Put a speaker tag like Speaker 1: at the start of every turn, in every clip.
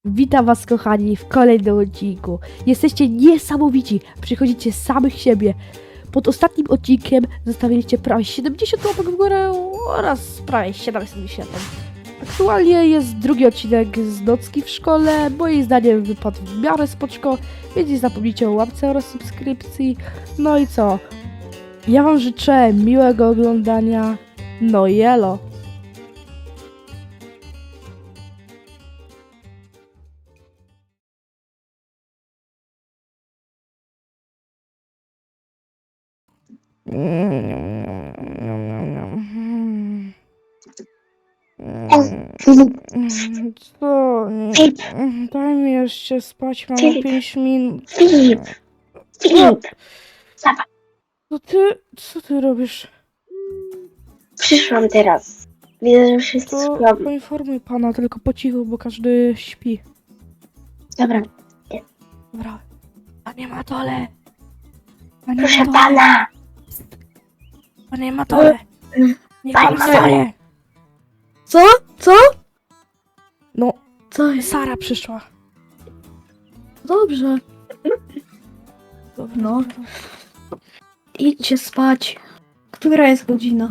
Speaker 1: Witam was kochani w kolejnym odcinku. Jesteście niesamowici, przychodzicie z samych siebie. Pod ostatnim odcinkiem zostawiliście prawie 70 łapek w górę oraz prawie 770. Aktualnie jest drugi odcinek z nocki w szkole. Moim zdaniem wypadł w miarę spoczko, więc nie zapomnijcie o łapce oraz subskrypcji. No i co? Ja wam życzę miłego oglądania. No i elo.
Speaker 2: Filip,
Speaker 1: Co?
Speaker 2: Filip,
Speaker 1: Daj mi jeszcze spać, mam
Speaker 2: Filip.
Speaker 1: 5 minut.
Speaker 2: Filip, Zobacz,
Speaker 1: Co ty robisz?
Speaker 2: przyszłam teraz. Widzę, że wszyscy
Speaker 1: To
Speaker 2: śpią.
Speaker 1: poinformuj pana, tylko po cichu, bo każdy śpi.
Speaker 2: Dobra,
Speaker 1: Dobra. Panie Matole! Panie
Speaker 2: proszę
Speaker 1: Matole!
Speaker 2: pana.
Speaker 1: Panie Matole! Niech pan
Speaker 2: Panie
Speaker 1: wstaje!
Speaker 3: Co?
Speaker 1: No,
Speaker 3: Co jest?
Speaker 1: Sara przyszła.
Speaker 3: Dobrze,
Speaker 1: Dobra,
Speaker 3: No.
Speaker 1: dobra.
Speaker 3: idźcie spać. Która jest godzina?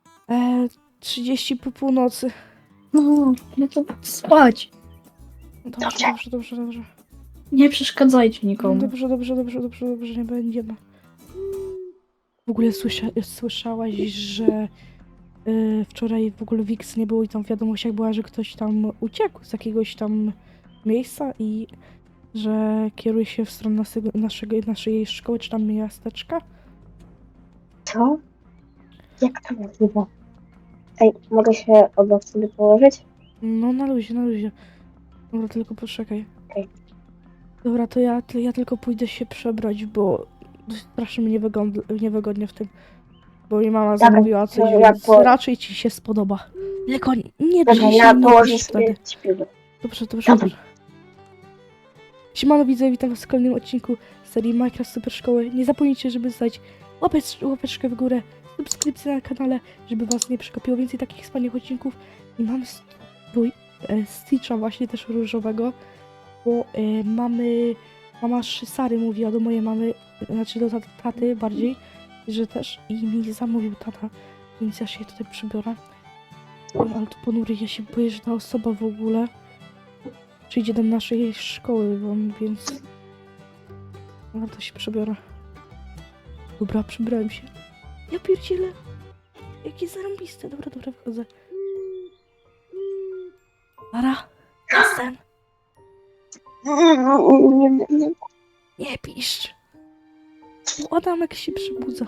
Speaker 1: 30 po północy.
Speaker 3: No to
Speaker 1: Dobrze,
Speaker 3: spać.
Speaker 1: dobrze, dobrze, dobrze.
Speaker 3: Nie przeszkadzajcie nikomu.
Speaker 1: Dobrze, nie będziemy. W ogóle słyszałaś, że wczoraj w ogóle Wix nie było i tam w wiadomościach była, że ktoś tam uciekł z jakiegoś tam miejsca i że kieruje się w stronę naszej szkoły czy tam miasteczka.
Speaker 2: Co? Jak to możliwe? Ej, mogę się obok sobie położyć?
Speaker 1: No na luzie. Dobra, tylko poczekaj.
Speaker 2: Okej.
Speaker 1: Dobra, to ja tylko pójdę się przebrać, bo strasznie mi niewygodnie w tym. Bo mi mama
Speaker 2: Dobra,
Speaker 1: zamówiła coś,
Speaker 2: to ja
Speaker 1: więc
Speaker 2: po-
Speaker 1: raczej ci się spodoba. Tylko nie
Speaker 2: Dobra,
Speaker 1: drzyj się
Speaker 2: ja
Speaker 1: i nie
Speaker 2: położę
Speaker 1: pisz
Speaker 2: sobie
Speaker 1: wtedy.
Speaker 2: śpiwór.
Speaker 1: Dobrze.
Speaker 2: Dobra.
Speaker 1: Siemano widzowie, witam was w kolejnym odcinku serii Minecraft Super Szkoły. Nie zapomnijcie, żeby zdać łapeczkę w górę, subskrypcję na kanale, żeby was nie przegapiło więcej takich wspaniałych odcinków. I mam Stitcha właśnie też różowego, bo mama Sary mówiła do mojej mamy, znaczy do taty bardziej, że też i mi zamówił tata, więc ja się tutaj przybiorę. Ale to ponury, ja się boję, że ta osoba w ogóle przyjdzie do naszej szkoły, więc warto się przebiorę. Dobra, przebrałem się. Ja pierdzielę. Jakie zarąbiste. Dobra, wchodzę. Ara, jestem.
Speaker 2: Nie.
Speaker 1: Nie piszcz. Adamek się przebudza.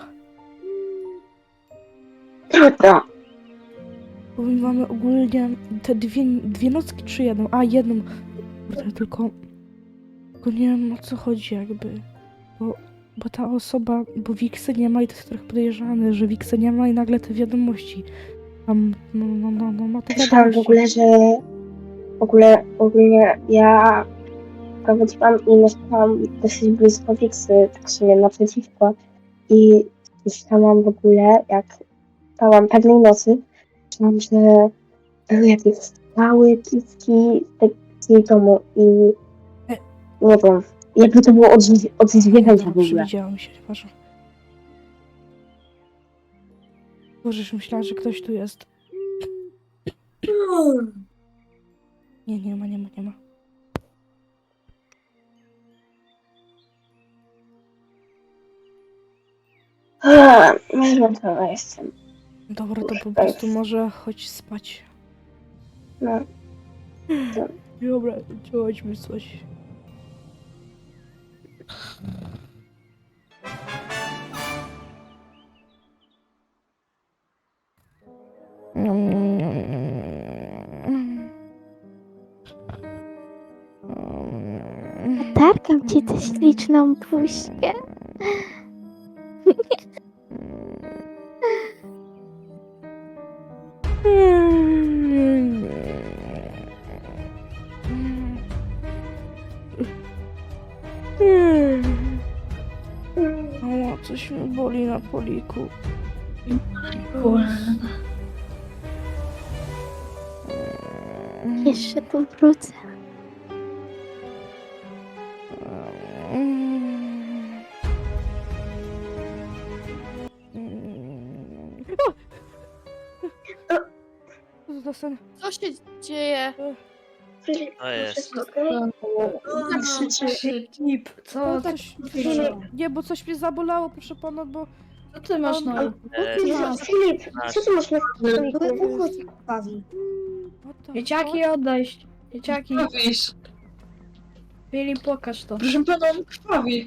Speaker 2: Trudno.
Speaker 1: Bo my mamy ogólnie te dwie nocki czy jedną? A, jedną. Kurde, tylko nie wiem o co chodzi jakby. Bo ta osoba, bo Wiksy nie ma i to jest trochę podejrzane, że Wiksy nie ma i nagle te wiadomości. Tam, ma te
Speaker 2: Słyszałam w ogóle, że ogólnie ja prowadziłam i mieszkałam dosyć blisko Wiksy, tak sobie naprzeciwko. I słyszałam w ogóle, jak spałam pewnej nocy, słyszałam, że były jakieś strzały, piski z jej domu i nie wiem, jakby to było od zwierzęcia w ogóle.
Speaker 1: Przewidziałam się, nieważne. Boże, już myślałam, że ktoś tu jest. Nie ma.
Speaker 2: Zmęczona jestem.
Speaker 1: Dobra, to po prostu może chodź spać.
Speaker 2: No.
Speaker 1: Dobra, chodźmy coś.
Speaker 4: Targam ci tę śliczną buźkę.
Speaker 1: O, coś mi boli na poliku.
Speaker 4: Jeszcze tu wrócę.
Speaker 1: Klasen.
Speaker 5: Co się dzieje?
Speaker 2: Filip,
Speaker 6: To jest.
Speaker 2: wszystko okej?
Speaker 3: Filip, co tak
Speaker 1: Coś...
Speaker 2: Filip,
Speaker 1: Nie, bo coś mnie zabolało, proszę pana, bo...
Speaker 3: co ty masz na
Speaker 6: E,
Speaker 2: Filip, co ty masz na stoliku?
Speaker 7: Bawi.
Speaker 1: What the
Speaker 3: Dzieciaki odejść. Dzieciaki.
Speaker 8: Krwawisz.
Speaker 3: Filip, pokaż to.
Speaker 8: Proszę pana, on krwawi.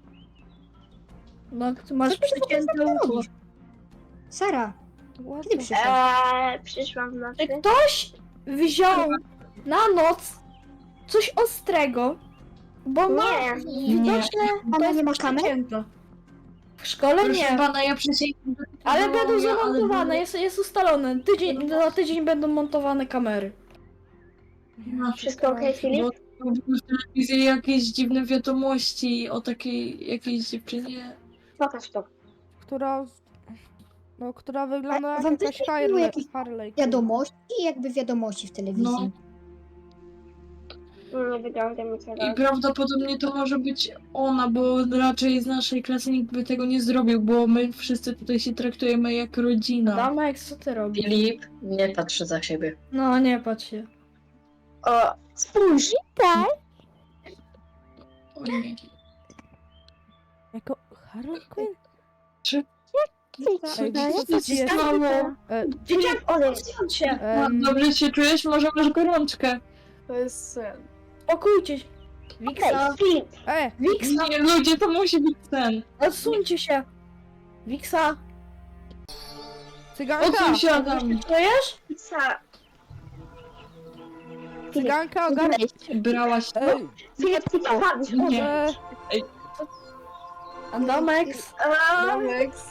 Speaker 3: No, ty masz przecięte ucho.
Speaker 7: Sara,
Speaker 1: What
Speaker 7: kiedy
Speaker 1: the...
Speaker 7: przyszedł?
Speaker 2: Przyszłam w
Speaker 3: Czy
Speaker 2: nocy.
Speaker 3: ktoś wziął na noc coś ostrego? Bo ma
Speaker 2: Nie.
Speaker 3: widoczne,
Speaker 7: Ona
Speaker 3: to jest
Speaker 7: nie ma kamer?
Speaker 3: przecięte. W szkole
Speaker 8: Proszę
Speaker 3: nie,
Speaker 8: pana, ja przysięgam. że to
Speaker 3: ale
Speaker 8: było
Speaker 3: będą
Speaker 8: ja, ale
Speaker 3: zamontowane, jest ustalone. Za tydzień będą montowane kamery.
Speaker 2: Wszystko okej, Filip?
Speaker 8: Bo były w telewizji jakieś dziwne wiadomości o takiej jakiejś dziewczynie.
Speaker 2: Pokaż to.
Speaker 1: Która... No, która wygląda jak
Speaker 7: wam
Speaker 1: jakaś
Speaker 7: też nie było jakichś
Speaker 1: Harley.
Speaker 7: Wiadomości, jakby wiadomości w telewizji.
Speaker 2: Nie wygląda mi
Speaker 8: I
Speaker 2: teraz.
Speaker 8: prawdopodobnie to może być ona, bo raczej z naszej klasy nikt by tego nie zrobił, bo my wszyscy tutaj się traktujemy jak rodzina.
Speaker 3: Damek, co ty robisz?
Speaker 9: Filip, nie patrz za siebie.
Speaker 3: No, nie patrz się.
Speaker 2: O, spójrz!
Speaker 4: Tak?
Speaker 8: O nie.
Speaker 1: Jako Harley Quinn? Ej,
Speaker 4: Cześć,
Speaker 1: co ci jest?
Speaker 3: Dzieciak,
Speaker 2: Odejdź.
Speaker 3: odsuń się!
Speaker 8: Dobrze się czujesz? Może masz gorączkę?
Speaker 5: To jest sen.
Speaker 3: Spokójcie się. Wiksa,
Speaker 2: Okej, Filip.
Speaker 3: Wiksa,
Speaker 8: Nie, ludzie, to musi być sen.
Speaker 3: odsuńcie się. Wiksa,
Speaker 1: Cyganka!
Speaker 8: Odsuń się, Adam.
Speaker 3: czujesz?
Speaker 2: Pizza.
Speaker 1: Cyganka, ogarnij!
Speaker 8: Brałaś to?
Speaker 2: Filip, ty padł.
Speaker 8: Nie.
Speaker 3: Adamek,
Speaker 5: Alex.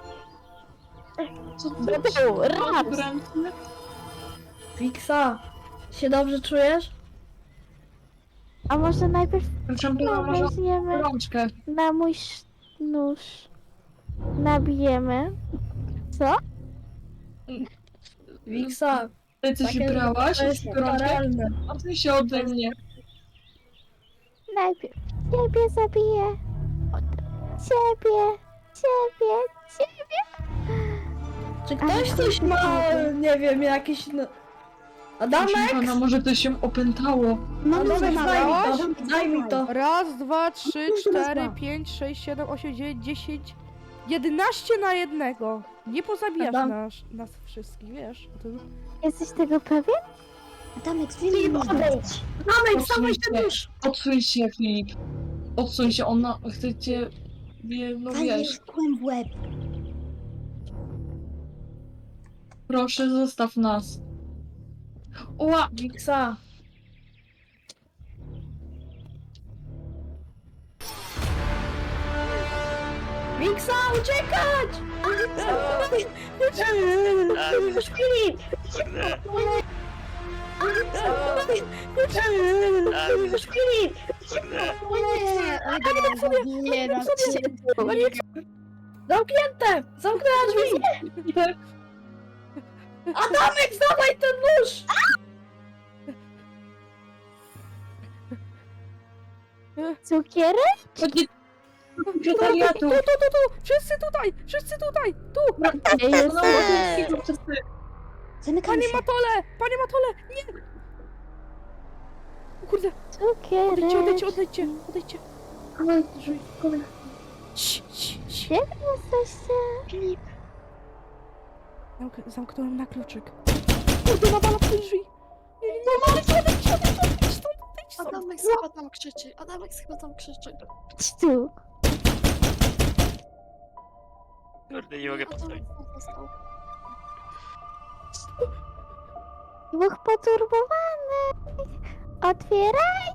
Speaker 8: Co
Speaker 4: Raz.
Speaker 8: ty?
Speaker 3: Wiksa, się dobrze czujesz?
Speaker 4: A może najpierw
Speaker 8: Proszę pana, może masz
Speaker 4: weźmiemy
Speaker 8: gorączkę.
Speaker 4: na mój nóż. Nabijemy. Co?
Speaker 3: Wiksa,
Speaker 8: Ty coś
Speaker 3: takie-
Speaker 8: brałaś?
Speaker 3: to jest
Speaker 8: Gorączkę?
Speaker 3: karalne.
Speaker 8: Odsuń się ode mnie.
Speaker 4: Najpierw ciebie zabiję. Potem ciebie.
Speaker 3: Czy ktoś coś ma, nie wiem, jakieś... No...
Speaker 8: Proszę
Speaker 3: Adamek?
Speaker 8: pana, może to się opętało.
Speaker 7: Mamy
Speaker 3: Adamek,
Speaker 7: zabawa.
Speaker 3: daj mi to.
Speaker 1: Raz, dwa, trzy,
Speaker 7: Proszę
Speaker 1: cztery,
Speaker 7: bardzo.
Speaker 1: 5, 6, 7, 8, 9, 10, 11 na jednego. Nie pozabijasz
Speaker 3: Adam.
Speaker 1: nas wszystkich, wiesz? To...
Speaker 4: Jesteś tego pewien?
Speaker 7: Adamek,
Speaker 2: Filip,
Speaker 7: wyjmij.
Speaker 2: odejdź.
Speaker 3: Adamek,
Speaker 8: Odsuń
Speaker 3: dawaj
Speaker 8: się.
Speaker 3: ten nóż.
Speaker 8: Odsuń się, Filip. Odsuń się, ona chce cię... No wiesz,
Speaker 7: Walniesz kłem w łeb.
Speaker 8: proszę zostaw nas. Oła!
Speaker 3: Wiksa. Wiksa, uciekać!
Speaker 2: Filip! Filip!
Speaker 7: Nie, raz się.
Speaker 3: Zamknięte! Zamknęła drzwi! Adamek, zdawaj ten nóż!
Speaker 4: Cukierek?
Speaker 8: Chodźcie do sekretariatu.
Speaker 1: Tu! Wszyscy tutaj! Wszyscy tutaj! Tu!
Speaker 4: Gdzie jest?
Speaker 7: Zamykamy
Speaker 1: Panie
Speaker 7: się.
Speaker 1: Matole! Panie Matole! Nie! O kurde!
Speaker 4: Cukierek.
Speaker 1: Odejdźcie! Drzwi. Cii.
Speaker 4: Gdzie wy jesteście?
Speaker 1: Zamknąłem na kluczyk. Kurde, nawala w te drzwi! Nie, odejdź stąd!
Speaker 5: Adamek chyba tam krzyczy. Adamek chyba tam krzyczy.
Speaker 4: Chodź tu.
Speaker 6: Kurde, nie mogę postawić.
Speaker 5: Adamek tam został.
Speaker 4: Dwóch poturbowanych. Otwieraj.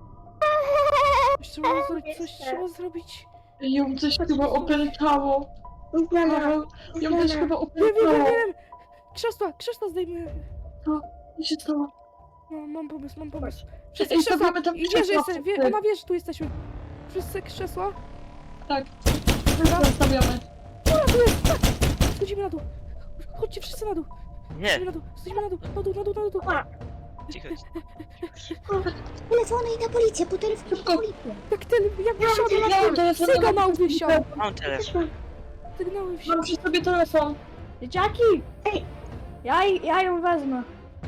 Speaker 1: Coś trzeba zrobić.
Speaker 8: Ją coś chyba opętało.
Speaker 2: Nie znana.
Speaker 8: Ją też chyba
Speaker 1: Wiem!
Speaker 8: opętało.
Speaker 1: Krzesła zdejmę.
Speaker 8: Co się stało?
Speaker 1: No, mam pomysł.
Speaker 8: Ej, stawiamy tam
Speaker 1: I wie, że
Speaker 8: krzesła.
Speaker 1: ona wie, że tu jesteśmy. Wszyscy krzesła.
Speaker 8: Tak. Zostawiamy.
Speaker 1: Schodzimy na dół. Chodźcie wszyscy na dół.
Speaker 6: Nie,
Speaker 1: Schodzimy na dół. Na dół.
Speaker 6: cicho.
Speaker 7: Telefony i na policję, po telefon
Speaker 8: Szybko.
Speaker 7: na policję.
Speaker 1: Jak ten, jak
Speaker 8: Ja mam telefon.
Speaker 1: sygnał wysiał.
Speaker 6: Mam telefon.
Speaker 1: Sygnały wsiał.
Speaker 8: Mam przy sobie telefon.
Speaker 3: Dzieciaki! Ja ją wezmę.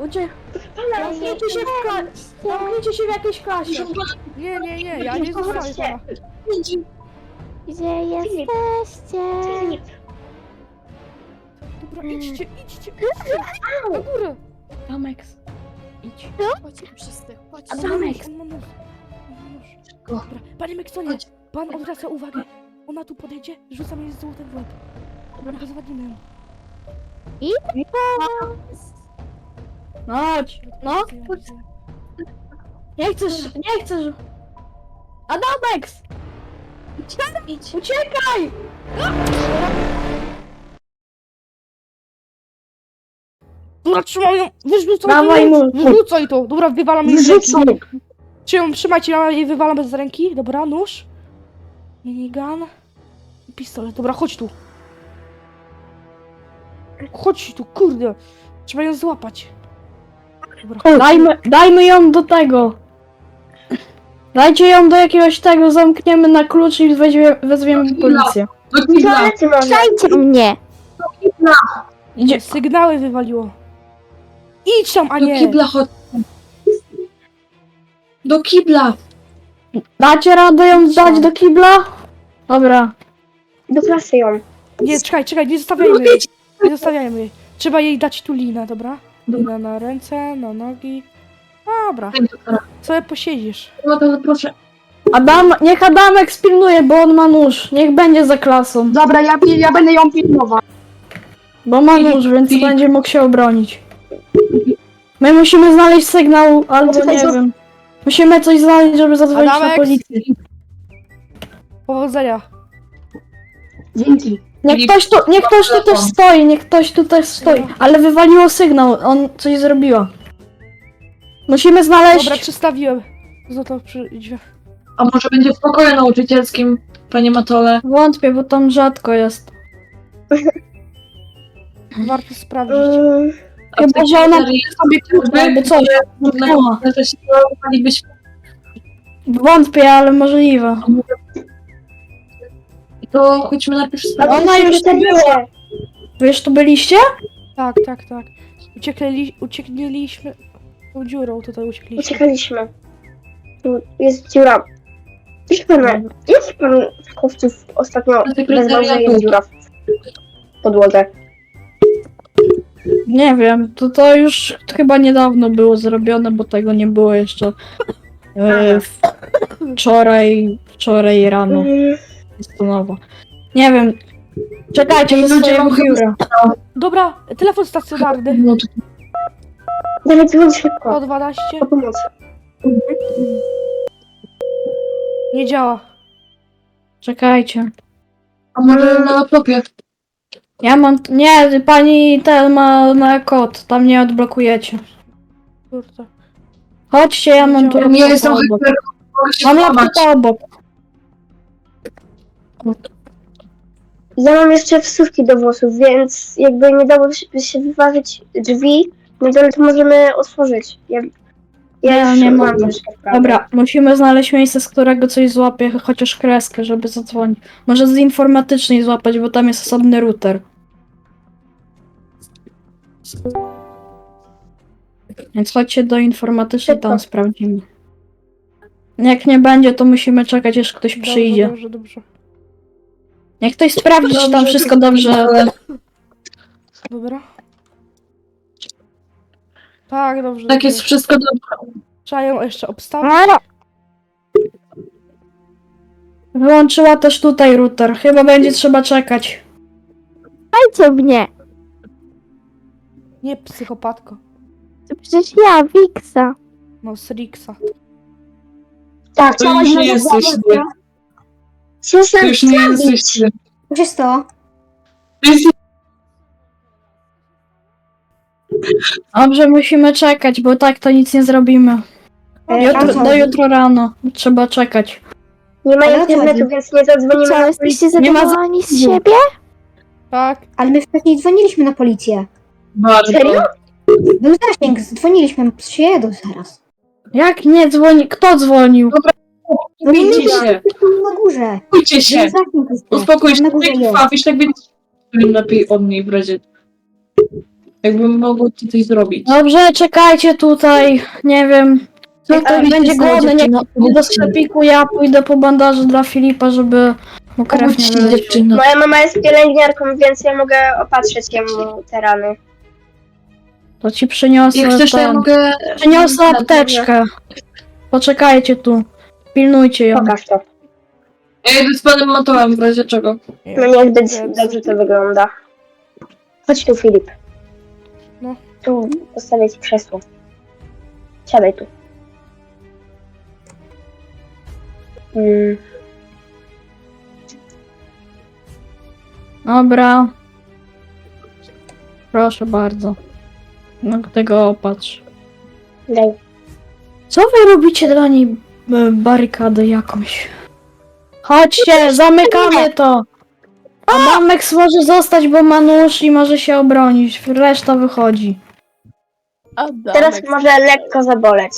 Speaker 3: Zamknijcie się zamknijcie się w jakiejś klasie.
Speaker 1: Nie, ja nie zostawię pana.
Speaker 4: Gdzie jesteście?
Speaker 1: Dobra, idźcie. Na górę.
Speaker 3: Adamex, idź.
Speaker 5: Chodźcie wszyscy, chodźcie.
Speaker 3: Adamex.
Speaker 1: On ma nóż. Dobra, panie Meksonie, pan odwraca uwagę. Ona tu podejdzie, rzucam jej złotem w łeb. Dobra, zawadzimy ją.
Speaker 3: Chodź. No, nie chcesz. Adamex! Idź. Uciekaj!
Speaker 1: Dobra, trzymaj ją!
Speaker 3: Dawaj mu.
Speaker 1: Wyrzucaj to! Dobra, wywalam jej z ręki.
Speaker 2: Wyrzucaj.
Speaker 1: Trzymajcie, ja jej wywalam bez ręki. Dobra, nóż. Minigun. I pistolet. Dobra, chodź tu. Chodź tu, kurde. Trzeba ją złapać. Dobra, chodź.
Speaker 3: Dajmy ją do tego. Dajcie ją do jakiegoś tego, zamkniemy na klucz i wezwiemy policję.
Speaker 9: Do kibla!
Speaker 2: Toalety może.
Speaker 4: Dajcie mnie!
Speaker 3: Idzie.
Speaker 1: Sygnały wywaliło. Idź tam, a
Speaker 8: Do
Speaker 1: nie!
Speaker 8: kibla chodź. Do kibla!
Speaker 3: Dacie radę ją dać do kibla? Dobra.
Speaker 2: Do klasy ją.
Speaker 1: Nie, czekaj, nie zostawiajmy jej. Nie zostawiajmy jej. Trzeba jej dać tu linę, dobra? Lina na ręce, na nogi. Dobra, sobie posiedzisz.
Speaker 8: No to proszę.
Speaker 3: Niech Adamek spilnuje, bo on ma nóż. Niech będzie za klasą.
Speaker 2: Dobra, ja będę ją pilnował.
Speaker 3: Bo ma nóż, więc
Speaker 8: Filip.
Speaker 3: będzie mógł się obronić. My musimy znaleźć sygnał, albo
Speaker 2: Czekaj,
Speaker 3: nie wiem. Musimy coś znaleźć, żeby zadzwonić na
Speaker 1: Adamek?
Speaker 3: policję.
Speaker 1: Powodzenia.
Speaker 2: Dzięki.
Speaker 3: Niech ktoś tu też stoi, niech ktoś tu też stoi. Ale wywaliło sygnał, on coś zrobiła. Musimy znaleźć...
Speaker 1: Dobra, przystawiłem. Złoto przy drzwiach.
Speaker 8: A może będzie w pokoju nauczycielskim, panie Matole?
Speaker 3: Wątpię, bo tam rzadko jest.
Speaker 1: Warto sprawdzić.
Speaker 3: Chyba, że ona sobie klucz albo coś. Zamknęła.
Speaker 8: Że się byśmy.
Speaker 3: Wątpię, ale możliwe.
Speaker 8: To chodźmy najpierw sprawdzić.
Speaker 3: Ona już tu była. Wy już tu byliście?
Speaker 1: Tak. Uciekliśmy tą dziurą, tutaj uciekliśmy.
Speaker 2: Uciekaliśmy. Tu jest dziura. Proszę pana, jak pan fakowców ostatnio wezwał, że jest dziura w podłodze?
Speaker 3: Nie wiem, to już chyba niedawno było zrobione, bo tego nie było jeszcze wczoraj rano. Jest to nowo. Nie wiem. Czekajcie do swojego biura.
Speaker 1: Dobra, telefon stacjonarny.
Speaker 8: No to
Speaker 2: Dalej dzwoń szybko.
Speaker 1: 112.
Speaker 2: O pomoc.
Speaker 1: Nie działa.
Speaker 3: Czekajcie.
Speaker 8: a może na laptopie?
Speaker 3: Ja mam... Nie, pani ten ma na kod. Tam nie odblokujecie.
Speaker 1: Kurde.
Speaker 3: Chodźcie, ja mam tu
Speaker 8: Ja
Speaker 3: laptopa
Speaker 8: jestem
Speaker 3: obok.
Speaker 8: hyper, mogę się
Speaker 3: Mam
Speaker 8: złamać.
Speaker 3: laptopa obok.
Speaker 2: Ja mam jeszcze wsówki do włosów, więc jakby nie dało się wyważyć drzwi, no to możemy otworzyć. Ja już
Speaker 3: nie
Speaker 2: mam
Speaker 3: mogę.
Speaker 2: troszkę wprawy.
Speaker 3: Dobra, musimy znaleźć miejsce, z którego coś złapie, chociaż kreskę, żeby zadzwonić. Może z informatycznej złapać, bo tam jest osobny router. Więc chodźcie do informatycznej, tam sprawdzimy. Jak nie będzie, to musimy czekać, aż ktoś przyjdzie.
Speaker 1: Dobrze.
Speaker 3: Jak ktoś sprawdzi, czy tam wszystko dobrze.
Speaker 1: Dobra. Tak, dobrze.
Speaker 8: Tak jest wszystko dobrze.
Speaker 1: Trzeba ją jeszcze obstawić.
Speaker 3: Wyłączyła też tutaj router. Chyba będzie trzeba czekać.
Speaker 4: Dajcie mnie!
Speaker 1: Nie psychopatko.
Speaker 4: To przecież ja, Wiksa.
Speaker 1: No, z Rixa.
Speaker 2: Tak,
Speaker 8: To już nie jesteś ty. To
Speaker 2: Przestań
Speaker 8: już nie jesteś ty.
Speaker 7: Co się stało?
Speaker 8: To jest
Speaker 3: Dobrze, musimy czekać, bo tak to nic nie zrobimy. Do jutro rano. Trzeba czekać.
Speaker 2: Nie ma
Speaker 7: Ale o co
Speaker 2: internetu,
Speaker 7: chodzi?
Speaker 2: więc nie zadzwonimy
Speaker 4: Co,
Speaker 2: na
Speaker 4: jesteście
Speaker 3: Nie ma
Speaker 4: zadowoleni z siebie?
Speaker 1: Tak.
Speaker 7: Ale my wcześniej dzwoniliśmy na policję.
Speaker 8: bardzo.
Speaker 2: Serio?
Speaker 7: Był zasięg, dzwoniliśmy. Przyjedą zaraz.
Speaker 3: Jak nie dzwoni? Kto dzwonił?
Speaker 8: Uspokójcie się.
Speaker 7: Na górze.
Speaker 8: Uspokójcie
Speaker 7: Był
Speaker 8: się.
Speaker 7: zasięg jest.
Speaker 8: Uspokój się.
Speaker 7: Na górze
Speaker 8: Jak
Speaker 7: jest.
Speaker 8: krwawisz, tak więc lepiej od niej w razie. Jakbym mogła tutaj zrobić.
Speaker 3: Dobrze, czekajcie tutaj. Nie wiem.
Speaker 8: Co
Speaker 3: Jak ktoś będzie głodny, niech idzie do sklepiku, ja pójdę po bandaże dla Filipa, żeby mu krew nie wyleciała.
Speaker 2: Moja mama jest pielęgniarką, więc ja mogę opatrzyć jemu te rany.
Speaker 3: To ci przyniosę
Speaker 8: Jak chcesz, to ja
Speaker 3: ten.
Speaker 8: mogę...
Speaker 3: Przyniosę apteczkę. Poczekajcie tu. Pilnujcie ją.
Speaker 2: Pokaż to.
Speaker 8: Ja idę z panem Matołem w razie czego.
Speaker 2: No niech dobrze to wygląda. Chodź tu, Filip.
Speaker 1: No.
Speaker 2: Tu postawię ci krzesło. Siadaj tu.
Speaker 3: Dobra. Proszę bardzo. No tego opatrz.
Speaker 2: Daj.
Speaker 3: Co wy robicie dla niej barykadę jakąś? Chodźcie, zamykamy to! Adamek może zostać, bo ma nóż i może się obronić. Reszta wychodzi.
Speaker 2: Teraz może lekko zaboleć.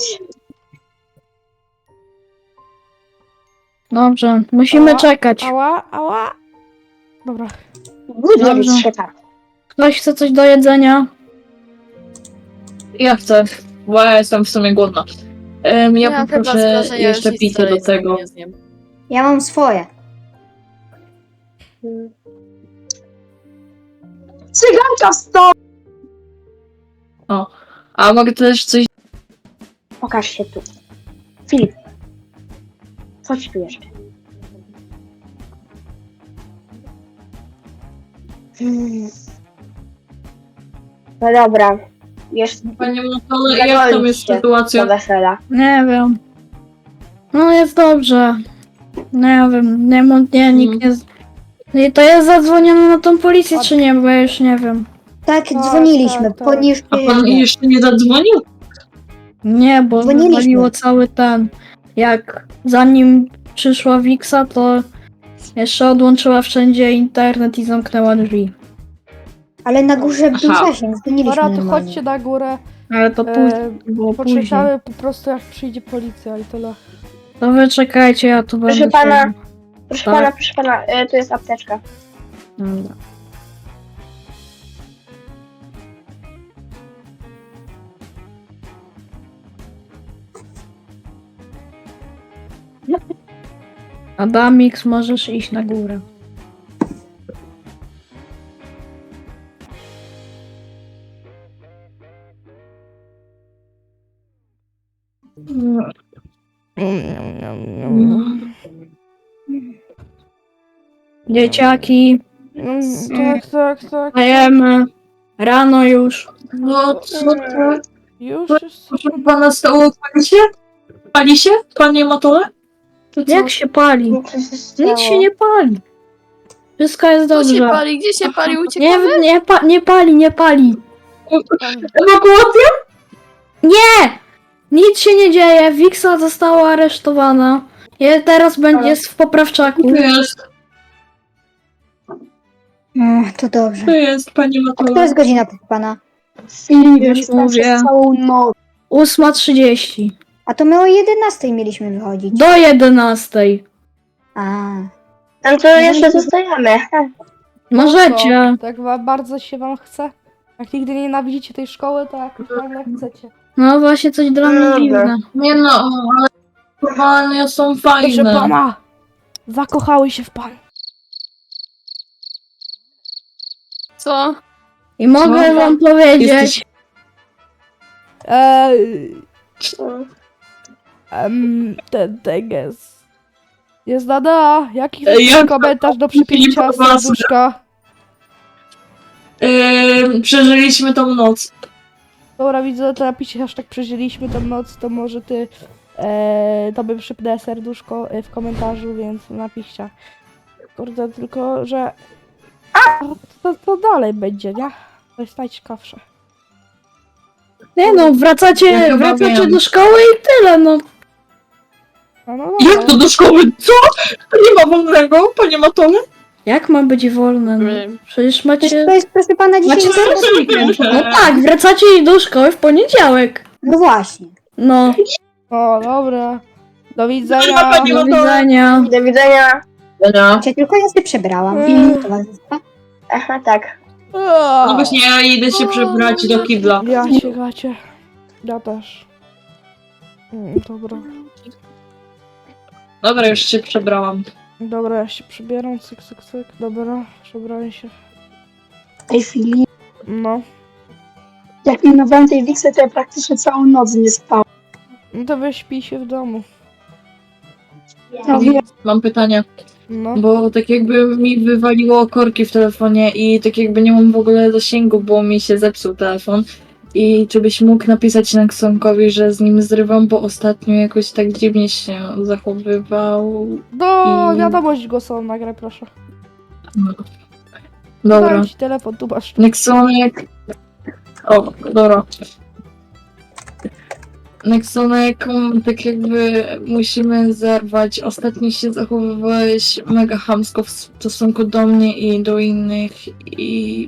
Speaker 3: Dobrze, musimy
Speaker 1: Ała,
Speaker 3: czekać.
Speaker 1: Ała. Dobra.
Speaker 2: Nie
Speaker 3: Dobrze.
Speaker 2: wiem, się tak.
Speaker 3: Ktoś chce coś do jedzenia?
Speaker 8: Ja chcę, bo ja jestem w sumie głodna. Ja poproszę jeszcze picie do tego.
Speaker 7: Ja mam swoje.
Speaker 2: Cyganka stoi!
Speaker 8: A mogę też coś...
Speaker 2: Pokaż się tu. Filip. Chodź tu jeszcze. No dobra. Jeszcze
Speaker 8: Panie Matole, jak tam jest
Speaker 2: do
Speaker 8: sytuacja?
Speaker 2: wesela.
Speaker 3: Nie wiem. No jest dobrze. Nie wiem, nikt nie... I to jest zadzwonione na tą policję, czy nie? Bo ja już nie wiem.
Speaker 7: Tak,
Speaker 1: Tak,
Speaker 7: dzwoniliśmy.
Speaker 1: tak, tak.
Speaker 7: Ponieważ
Speaker 8: A pan jeszcze nie zadzwonił?
Speaker 3: Nie, bo
Speaker 7: Dzwoniliśmy.
Speaker 3: wywaliło cały ten. Jak zanim przyszła Wiksa, to jeszcze odłączyła wszędzie internet i zamknęła drzwi.
Speaker 7: Ale na górze był
Speaker 8: Aha.
Speaker 7: zasięg, dzwoniliśmy
Speaker 1: Dobra, to
Speaker 7: normalnie.
Speaker 1: chodźcie na górę.
Speaker 3: Ale to później, było później.
Speaker 1: Poczekamy po prostu jak przyjdzie policja i tyle.
Speaker 3: To wy czekajcie, ja tu
Speaker 2: Proszę
Speaker 3: będę...
Speaker 2: pana.
Speaker 3: się-
Speaker 2: Proszę
Speaker 3: Tak.
Speaker 2: pana, proszę pana, tu jest apteczka.
Speaker 3: Dobra. Adamix, możesz iść na górę. Dzieciaki,
Speaker 1: Tak.
Speaker 3: wstajemy. Rano już.
Speaker 8: No co to?
Speaker 1: Już?
Speaker 8: Proszę pana, stało pani się? Pali się? Panie Matole? To co?
Speaker 3: Jak się pali?
Speaker 2: Co się stało?
Speaker 3: Nic się nie pali. Wszystko jest dobrze.
Speaker 5: Gdzie się pali?
Speaker 3: Nie pali.
Speaker 8: Ewakuacja?
Speaker 3: Nic się nie dzieje. Wiksa została aresztowana. Teraz jest w poprawczaku.
Speaker 8: To jest,
Speaker 7: To dobrze.
Speaker 8: to jest, panie
Speaker 7: A która
Speaker 8: Matole.
Speaker 7: jest godzina pana?
Speaker 2: Filip,
Speaker 3: Już
Speaker 2: już tam
Speaker 3: mówię.
Speaker 2: przez całą noc.
Speaker 3: 8:30.
Speaker 7: A to my o 11 mieliśmy wychodzić.
Speaker 3: Do 11:00.
Speaker 7: A,
Speaker 2: No to jeszcze zostajemy.
Speaker 3: Możecie.
Speaker 1: Tak bardzo się wam chce? Jak nigdy nie nienawidzicie tej szkoły, to jak nagle chcecie.
Speaker 3: No właśnie coś dla mnie
Speaker 2: Dobra.
Speaker 3: dziwne.
Speaker 8: Nie no, ale normalnie są
Speaker 1: Proszę
Speaker 8: fajne.
Speaker 1: pana! Zakochały się w panu.
Speaker 5: Co?
Speaker 3: I mogę
Speaker 8: Co?
Speaker 3: wam powiedzieć,
Speaker 8: Jesteś-
Speaker 1: Ten teges. Jest nada. Jaki
Speaker 8: Jak-
Speaker 1: komentarz do przypięcia
Speaker 8: Filipa Wasra.
Speaker 1: serduszka?
Speaker 8: Przeżyliśmy tą noc.
Speaker 1: Dobra, widzę, to napisze hashtag przeżyliśmy tą noc, to może ty tobie przypnę serduszko w komentarzu, więc napiszcie. Kurde, tylko, że to dalej będzie, nie? To jest najciekawsze.
Speaker 3: nie no,
Speaker 8: Ja
Speaker 3: wracacie
Speaker 8: chyba wiem.
Speaker 3: do szkoły i tyle, no.
Speaker 1: No,
Speaker 8: Jak to do szkoły? Co? Nie ma wolnego, panie Matole?
Speaker 3: Jak ma być wolne? No? Przecież
Speaker 7: przecież
Speaker 3: macie...
Speaker 7: to jest, proszę pana, dzisiaj
Speaker 3: Macie
Speaker 7: jest weekend.
Speaker 3: No tak, wracacie do szkoły w poniedziałek.
Speaker 7: No właśnie.
Speaker 3: No,
Speaker 1: O, dobra. Do
Speaker 8: Dobra,
Speaker 1: widzenia.
Speaker 8: pani-
Speaker 3: do widzenia.
Speaker 2: Do widzenia.
Speaker 7: Czy tylko ja się przebrałam.
Speaker 1: Mm.
Speaker 7: Towarzystwa.
Speaker 2: Aha, tak.
Speaker 8: No właśnie, ja idę się przebrać do kibla.
Speaker 1: Ja się gacie. Ja też. Dobra.
Speaker 8: Dobra, już się przebrałam.
Speaker 1: Dobra, ja się przebieram, cyk, cyk, cyk. Dobra, przebrałem się.
Speaker 2: Ej, Filip,
Speaker 1: No.
Speaker 2: jak minowałem tej Wixy, to ja praktycznie całą noc nie spałem.
Speaker 1: No to wyśpij się w domu.
Speaker 2: No wiem,
Speaker 8: Mam pytanie,
Speaker 1: No.
Speaker 8: bo tak jakby mi wywaliło korki w telefonie i tak jakby nie mam w ogóle zasięgu, bo mi się zepsuł telefon. I czy byś mógł napisać Nexonkowi, że z nim zrywam, bo ostatnio jakoś tak dziwnie się zachowywał. I-
Speaker 1: Wiadomość głosową nagraj, proszę.
Speaker 8: Dobra.
Speaker 1: Dałem ci telefon, tu masz.
Speaker 8: Nexonek. O, dobra. Nexonek, tak jakby musimy zerwać. Ostatnio się zachowywałeś mega chamsko w stosunku do mnie i do innych i...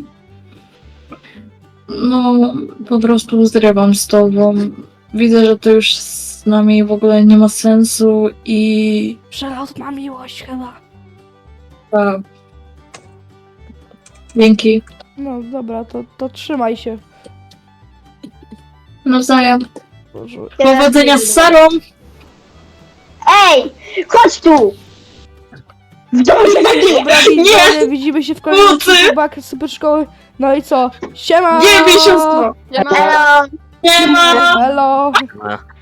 Speaker 8: No, po prostu zrywam z tobą. Widzę, że to już z nami w ogóle nie ma sensu i...
Speaker 1: Przelotna miłość chyba.
Speaker 8: Tak. Dzięki.
Speaker 1: No dobra, to trzymaj się.
Speaker 8: Nawzajem.
Speaker 1: Boże.
Speaker 8: Powodzenia z Sarą!
Speaker 2: Ej, chodź tu! W domu się napiję!
Speaker 1: Dobra, widzowie, widzimy się w kolejnym
Speaker 8: Mocy!
Speaker 1: odcinku Bak Super Szkoły. No i co? Siema!
Speaker 8: Nie bij siostro!
Speaker 5: Ja mam...
Speaker 2: Hello!
Speaker 8: Nie ma!
Speaker 1: Hello!
Speaker 6: Ma.